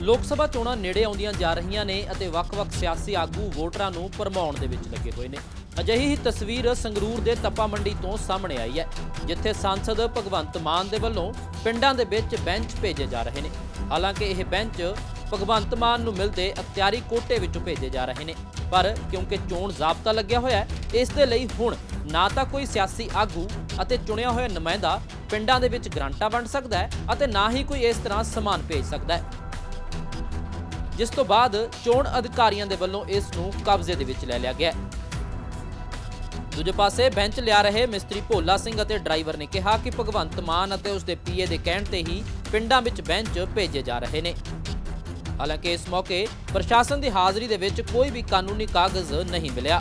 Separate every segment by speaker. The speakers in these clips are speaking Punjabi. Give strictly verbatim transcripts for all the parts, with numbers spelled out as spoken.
Speaker 1: लोक सभा चोणां नेड़े आउंदियां जा रहीआं ने अते वख-वख सियासी आगू वोटरां नूं भरमाउण दे विच लगे होए ने। अजिही ही तस्वीर संगरूर दे तप्पा मंडी तो सामने आई है, जिथे सांसद भगवंत मान दे वल्लों पिंडां दे विच बेंच भेजे जा रहे ने। हालांकि यह बेंच भगवंत मान नूं मिलदे अख्तियारी कोटे विचों भेजे जा रहे ने, पर क्योंकि चोण जाबता लग्या होया है, इस दे लई हुण ना तां कोई सियासी आगू अते चुणिया होया नुमाइंदा पिंडां दे विच ग्रांटां वंड सकदा है अते ना ही कोई इस तरह समान भेज सकदा है, जिस तो बाद चोण अधिकारियों के वल्लों इस नूं कब्जे दे विच लै लिया गया। दूजे पासे बेंच लिया रहे मिस्त्री भोला सिंह अते ड्राइवर ने कहा कि भगवंत मान अते उसके पीए के कहण ते ही पिंडां विच बेंच भेजे जा रहे ने। हालांकि इस मौके प्रशासन की हाज़री दे विच कोई भी कानूनी कागज नहीं मिलिया।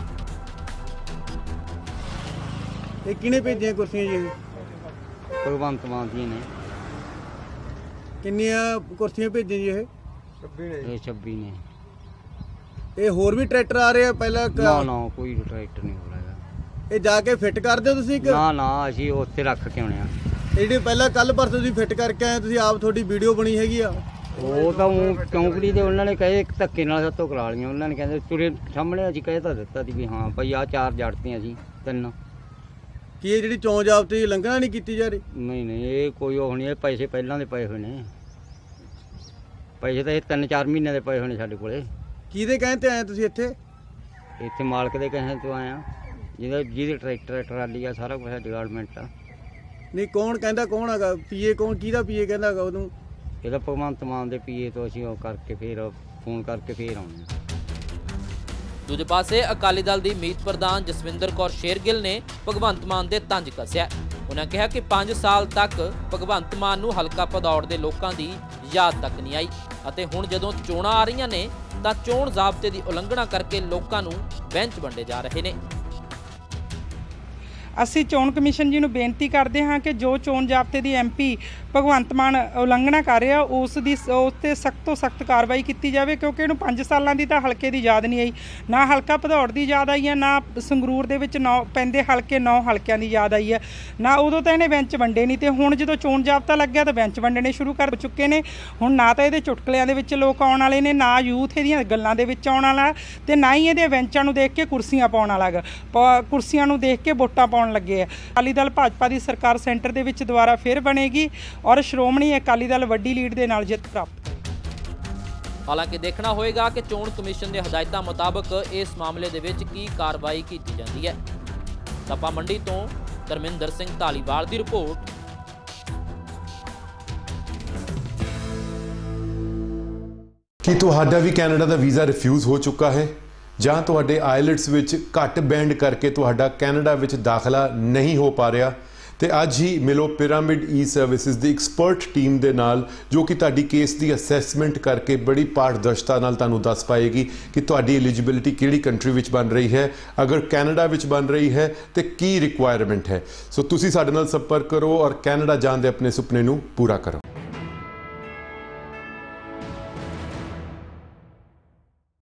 Speaker 2: किने भेजियां कुर्सियां जी?
Speaker 3: भगवंत मान जी ने।
Speaker 2: किन्नियां कुर्सियां भेजियां जी? ये
Speaker 3: ये छब्बी ने।
Speaker 2: ये होर भी ट्रैक्टर आ रहे हैं पहला?
Speaker 3: ना ना कोई ट्रैक्टर नहीं हो रहा।
Speaker 2: ये जाके फिट कर दो तुसीं?
Speaker 3: ना ना असीं उत्थे रख के आउणे आ।
Speaker 2: ਜਿਹੜੀ ਪਹਿਲਾਂ ਕੱਲ ਪਰਸੋਂ ਤੁਸੀਂ ਫਿੱਟ ਕਰਕੇ ਆਏ, ਤੁਸੀਂ ਆਪ ਤੁਹਾਡੀ ਵੀਡੀਓ ਬਣੀ ਹੈਗੀ ਆ।
Speaker 3: ਉਹ ਤਾਂ ਉਹ ਚੌਂਕੜੀ ਦੇ ਉਹਨਾਂ ਨੇ ਕਹੇ ਧੱਕੇ ਨਾਲ ਸਾਤੋਂ ਕਰਾ ਲਈਆਂ। ਉਹਨਾਂ ਨੇ ਕਹਿੰਦੇ ਤੁਰੇ ਸਾਹਮਣੇ ਅਸੀਂ ਕਹਿ ਤਾਂ ਦਿੱਤਾ ਸੀ ਵੀ ਹਾਂ ਭਾਈ ਆਹ ਚਾਰ ਜੜਤੀਆਂ ਸੀ ਤਿੰਨ।
Speaker 2: ਕੀ ਇਹ ਜਿਹੜੀ ਚੋਣ ਜਾਬਤੇ ਲੰਘਣਾ ਨਹੀਂ ਕੀਤੀ ਜਾ ਰਹੀ?
Speaker 3: ਨਹੀਂ ਨਹੀਂ ਇਹ ਕੋਈ ਉਹ ਨਹੀਂ, ਇਹ ਪੈਸੇ ਪਹਿਲਾਂ ਦੇ ਪਏ ਹੋਏ ਨੇ। ਪੈਸੇ ਤਾਂ ਇਹ ਤਿੰਨ ਚਾਰ ਮਹੀਨੇ ਦੇ ਪਏ ਹੋਏ ਨੇ ਸਾਡੇ ਕੋਲੇ।
Speaker 2: ਕਿਹਦੇ ਕਹਿਣ ਤੇ ਆਏ ਤੁਸੀਂ ਇੱਥੇ?
Speaker 3: ਇੱਥੇ ਮਾਲਕ ਦੇ ਕਹਿਣ ਤੋਂ ਆਏ ਆ, ਜਿਹਦਾ ਜਿਹਦੇ ਟਰੈਕਟਰ ਟਰਾਲੀ ਆ ਸਾਰਾ ਕੁਛ ਡਿਪਾਰਟਮੈਂਟ ਆ।
Speaker 2: ਨਹੀਂ ਕੌਣ ਕਹਿੰਦਾ, ਕੌਣ ਹੈਗਾ ਪੀਏ? ਕੌਣ ਕਿਹਦਾ ਪੀਏ ਕਹਿੰਦਾ ਹੈਗਾ ਉਹਨੂੰ?
Speaker 3: ਇਹਦਾ ਭਗਵੰਤ ਮਾਨ ਦੇ ਪੀਏ ਤੋਂ ਅਸੀਂ ਉਹ ਕਰਕੇ ਫਿਰ ਫੋਨ ਕਰਕੇ ਫਿਰ ਆਉਣੇ ਆ।
Speaker 1: दूजे पासे अकाली दल की मीत प्रधान जसविंदर कौर शेरगिल ने भगवंत मान दे तंज कसिया। उन्होंने कहा कि पांच साल तक भगवंत मान नूं हलका भदौड़ दे लोकां दी याद तक नहीं आई अते हुण जदों चोणां आ रहीआं ने तां चोण जाबते की उलंघना करके लोकां नूं बेंच वंडे जा रहे ने।
Speaker 4: ਅਸੀਂ ਚੋਣ ਕਮਿਸ਼ਨ ਜੀ ਨੂੰ ਬੇਨਤੀ ਕਰਦੇ ਹਾਂ ਕਿ ਜੋ ਚੋਣ ਜਾਬਤੇ ਦੀ ਐਮਪੀ ਭਗਵੰਤ ਮਾਨ ਉਲੰਘਣਾ ਕਰ ਰਿਹਾ ਉਸ ਦੀ ਉਸ 'ਤੇ ਸਖਤ ਤੋਂ ਸਖਤ ਕਾਰਵਾਈ ਕੀਤੀ ਜਾਵੇ, ਕਿਉਂਕਿ ਇਹਨੂੰ ਪੰਜ ਸਾਲਾਂ ਦੀ ਤਾਂ ਹਲਕੇ ਦੀ ਯਾਦ ਨਹੀਂ ਆਈ, ਨਾ ਹਲਕਾ ਭਦੌੜ ਦੀ ਯਾਦ ਆਈ ਹੈ, ਨਾ ਸੰਗਰੂਰ ਦੇ ਵਿੱਚ ਨੌ ਪੈਂਦੇ ਹਲਕੇ ਨੌ ਹਲਕਿਆਂ ਦੀ ਯਾਦ ਆਈ ਹੈ, ਨਾ ਉਦੋਂ ਤਾਂ ਇਹਨੇ ਬੈਂਚ ਵੰਡੇ ਨਹੀਂ, ਤੇ ਹੁਣ ਜਦੋਂ ਚੋਣ ਜਾਬਤਾ ਲੱਗਿਆ ਤਾਂ ਬੈਂਚ ਵੰਡਣੇ ਸ਼ੁਰੂ ਕਰ ਚੁੱਕੇ ਨੇ। ਹੁਣ ਨਾ ਤਾਂ ਇਹਦੇ ਚੁਟਕਲਿਆਂ ਦੇ ਵਿੱਚ ਲੋਕ ਆਉਣ ਵਾਲੇ ਨੇ, ਨਾ ਯੂਥ ਇਹਦੀਆਂ ਗੱਲਾਂ ਦੇ ਵਿੱਚ ਆਉਣ ਵਾਲਾ, ਤੇ ਨਾ ਹੀ ਇਹਦੇ ਬੈਂਚਾਂ ਨੂੰ ਦੇਖ ਕੇ ਕੁਰਸੀਆਂ ਪਾਉਣ ਵਾਲਾ ਗਾ, ਕੁਰਸੀਆਂ ਨੂੰ ਦੇਖ ਕੇ ਵੋਟਾਂ ਪਾਉਣ ਲੱਗੇ ਆ। ਅਕਾਲੀ ਦਲ ਭਾਜਪਾ ਦੀ ਸਰਕਾਰ ਸੈਂਟਰ ਦੇ ਵਿੱਚ ਦੁਬਾਰਾ ਫਿਰ ਬਣੇਗੀ ਔਰ ਸ਼੍ਰੋਮਣੀ ਅਕਾਲੀ ਦਲ ਵੱਡੀ ਲੀਡ ਦੇ ਨਾਲ ਜਿੱਤ ਪ੍ਰਾਪਤ ਕਰੇਗਾ।
Speaker 1: ਹਾਲਾਂਕਿ ਦੇਖਣਾ ਹੋਏਗਾ ਕਿ ਚੋਣ ਕਮਿਸ਼ਨ ਦੇ ਹਦਾਇਤਾਂ ਮੁਤਾਬਕ ਇਸ ਮਾਮਲੇ ਦੇ ਵਿੱਚ ਕੀ ਕਾਰਵਾਈ ਕੀਤੀ ਜਾਂਦੀ ਹੈ। ਤਪਾ ਮੰਡੀ ਤੋਂ ਧਰਮਿੰਦਰ ਸਿੰਘ ਧਾਲੀਵਾਲ ਦੀ ਰਿਪੋਰਟ।
Speaker 5: ਕੀ ਤੁਹਾਡਾ ਵੀ ਕੈਨੇਡਾ ਦਾ ਵੀਜ਼ਾ ਰਿਫਿਊਜ਼ ਹੋ ਚੁੱਕਾ ਹੈ ਜਾਂ ਤੁਹਾਡੇ ਆਇਲਟਸ ਵਿੱਚ ਘੱਟ ਬੈਂਡ ਕਰਕੇ ਤੁਹਾਡਾ ਕੈਨੇਡਾ ਵਿੱਚ ਦਾਖਲਾ ਨਹੀਂ ਹੋ ਪਾ ਰਿਹਾ? ਤੇ ਅੱਜ ਹੀ ਮਿਲੋ ਪਿਰਾਮਿਡ ਈ ਸਰਵਿਸਿਜ਼ ਦੀ ਐਕਸਪਰਟ ਟੀਮ ਦੇ ਨਾਲ, ਜੋ ਕਿ ਤੁਹਾਡੀ ਕੇਸ ਦੀ ਅਸੈਸਮੈਂਟ ਕਰਕੇ ਬੜੀ ਪਾਰਦਰਸ਼ਤਾ ਨਾਲ ਤੁਹਾਨੂੰ ਦੱਸ ਪਾਏਗੀ ਕਿ ਤੁਹਾਡੀ ਐਲੀਜੀਬਿਲਿਟੀ ਕਿਹੜੀ ਕੰਟਰੀ ਵਿੱਚ ਬਣ ਰਹੀ ਹੈ, ਅਗਰ ਕੈਨੇਡਾ ਵਿੱਚ ਬਣ ਰਹੀ ਹੈ ਤੇ ਕੀ ਰਿਕੁਆਇਰਮੈਂਟ ਹੈ। ਸੋ ਤੁਸੀਂ ਸਾਡੇ ਨਾਲ ਸੰਪਰਕ ਕਰੋ ਔਰ ਕੈਨੇਡਾ ਜਾਣ ਦੇ ਆਪਣੇ ਸੁਪਨੇ ਨੂੰ ਪੂਰਾ ਕਰੋ।